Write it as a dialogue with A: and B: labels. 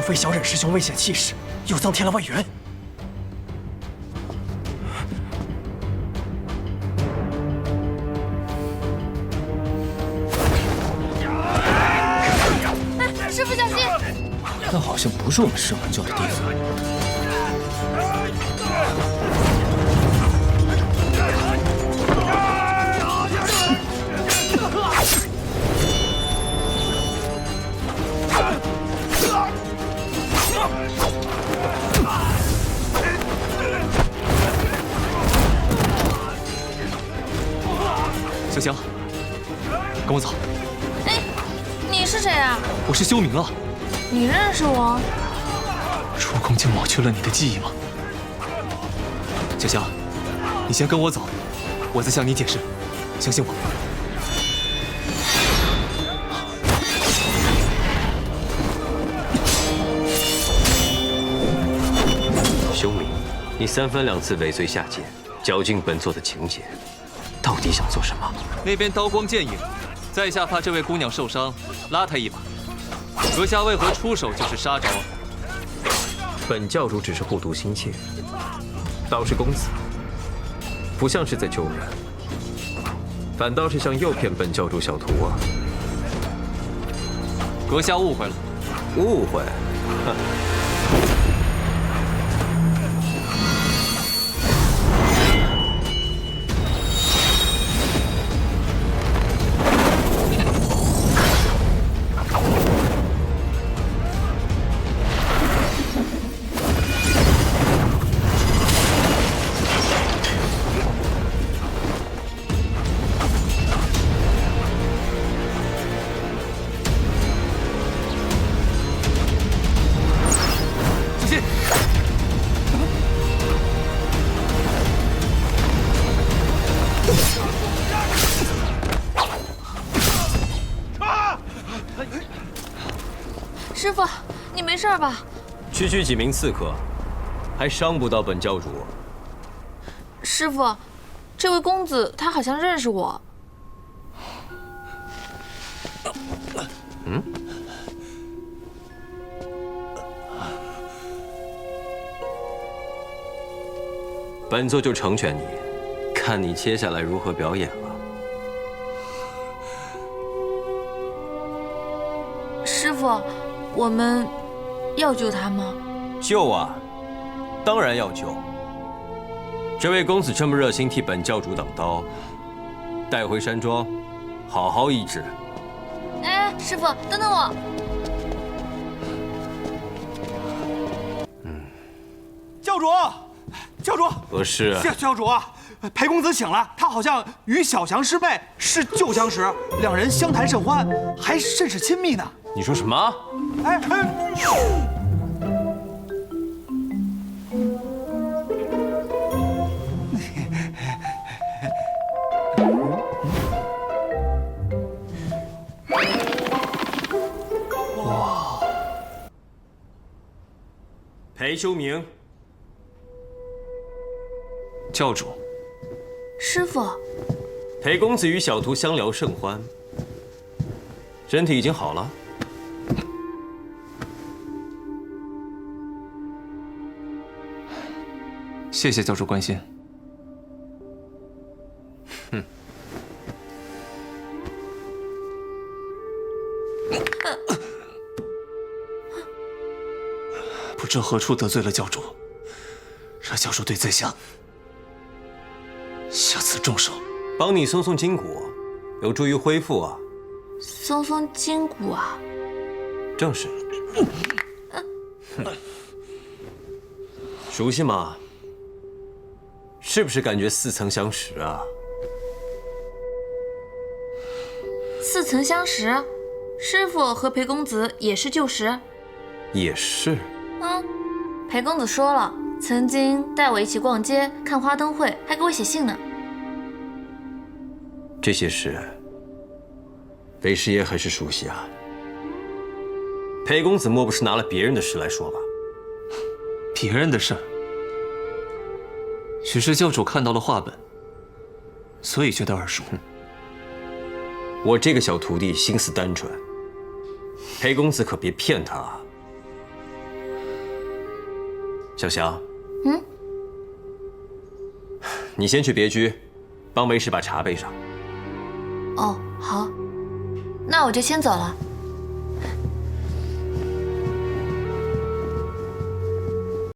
A: 非小忍师兄危险气势，又增添了外援。
B: 哎，师傅小心！
C: 那好像不是我们师门教的弟子。
D: 小香，跟我走。
B: 哎，你是谁啊？
D: 我是修明啊。
B: 你认识我？
D: 出宫就抹去了你的记忆吗？小香，你先跟我走，我再向你解释，相信我。
E: 修明，你三番两次尾随下界，搅进本座的情节。 到底想做什么？
D: 那边刀光剑影，在下怕这位姑娘受伤，拉她一把。阁下为何出手就是杀招？
E: 本教主只是护犊心切，倒是公子不像是在救人，反倒是想诱骗本教主小徒啊！
D: 阁下误会了。
E: 误会？哼！
B: 师傅，你没事吧？
E: 区区几名刺客，还伤不到本教主。
B: 师傅，这位公子他好像认识我。
E: 嗯？本座就成全你，看你接下来如何表演了。
B: 师傅，我们要救他吗？
E: 救啊，当然要救。这位公子这么热心替本教主挡刀，带回山庄，好好医治。
B: 哎，师傅，等等我。
A: 教主，教主，
E: 何事？
A: 教主啊，裴公子醒了，他好像与小祥师妹是旧相识，两人相谈甚欢，还甚是亲密呢。
E: 你说什么？
A: 哎，
E: 哇！裴修明，
D: 教主，
B: 师傅，
E: 裴公子与小徒相聊甚欢，身体已经好了。
D: 谢谢教主关心。
E: 哼，
D: 不知何处得罪了教主，让教主对在下下次重手。
E: 帮你松松筋骨，有助于恢复啊。
B: 松松筋骨啊？
E: 正是。熟悉吗？ 是不是感觉似曾相识啊？
B: 似曾相识，师傅和裴公子也是旧识。
E: 也是。
B: 裴公子说了，曾经带我一起逛街、看花灯会，还给我写信呢。
E: 这些事，裴师爷还是熟悉啊。裴公子莫不是拿了别人的事来说吧？
D: 别人的事儿。 许是教主看到了画本，所以觉得耳熟。
E: 我这个小徒弟心思单纯，裴公子可别骗他啊。
F: 小翔，
B: 嗯，
F: 你先去别居，帮为师把茶备上。
B: 哦，好，那我就先走了。